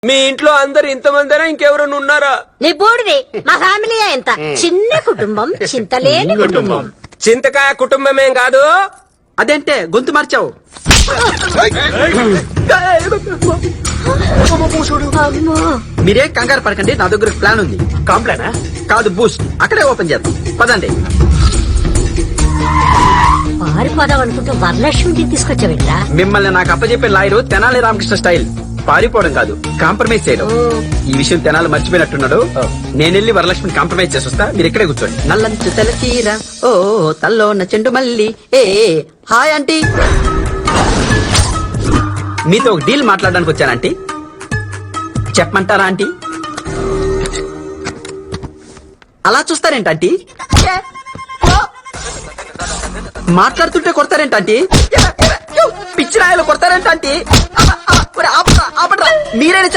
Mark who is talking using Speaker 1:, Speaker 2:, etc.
Speaker 1: మీ ఇంట్లో అందరు ఇంతమందినా ఇంకెవరైనా ఉన్నారా?
Speaker 2: నీ బోడిది మా ఫ్యామిలీ ఎంత చిన్న కుటుంబం, చింతలేని కుటుంబం.
Speaker 1: చింతకాయ కుటుంబమేం కాదు.
Speaker 3: అదేంటే గొంతు మార్చావు?
Speaker 2: అమ్మో,
Speaker 3: మీరేం కంగారు పడకండి, నా దగ్గర ప్లాన్ ఉంది.
Speaker 1: కాంప్లైనా?
Speaker 3: కాదు, బూస్ట్. అక్కడే ఓపెన్ చేద్దాం, పదండి.
Speaker 2: పారిపోదాం అనుకుంటూ వరలక్ష్మిని తీసుకొచ్చావిట్రా.
Speaker 3: మిమ్మల్ని నాకు అప్పచెప్పే లాయరు తెనాలి రామకృష్ణ స్టైల్. పారిపోవడం కాదు, కాంప్రమైజ్ చేయడం. ఈ విషయం తెనాలి మర్చిపోయినట్టున్నాడు. నేనెళ్ళి వరలక్ష్మిని కాంప్రమైజ్ చేసొస్తా, మీరు ఇక్కడే కూర్చోండి. నల్లంచు తెలచీర ఓ తల్లోన చెండు మల్లి ఏ హాయ్ ఆంటీ. మీతో ఒక డీల్ మాట్లాడడానికి వచ్చాను ఆంటీ. చెప్పమంటారా ఆంటీ? అలా చూస్తారేంటి ఆంటీ? మాట్లాడుతుంటే కొడతారేంటి ఆంటీ? పిచ్చి రాయలు కొడతారేంటి ఆంటీ? మీరైనా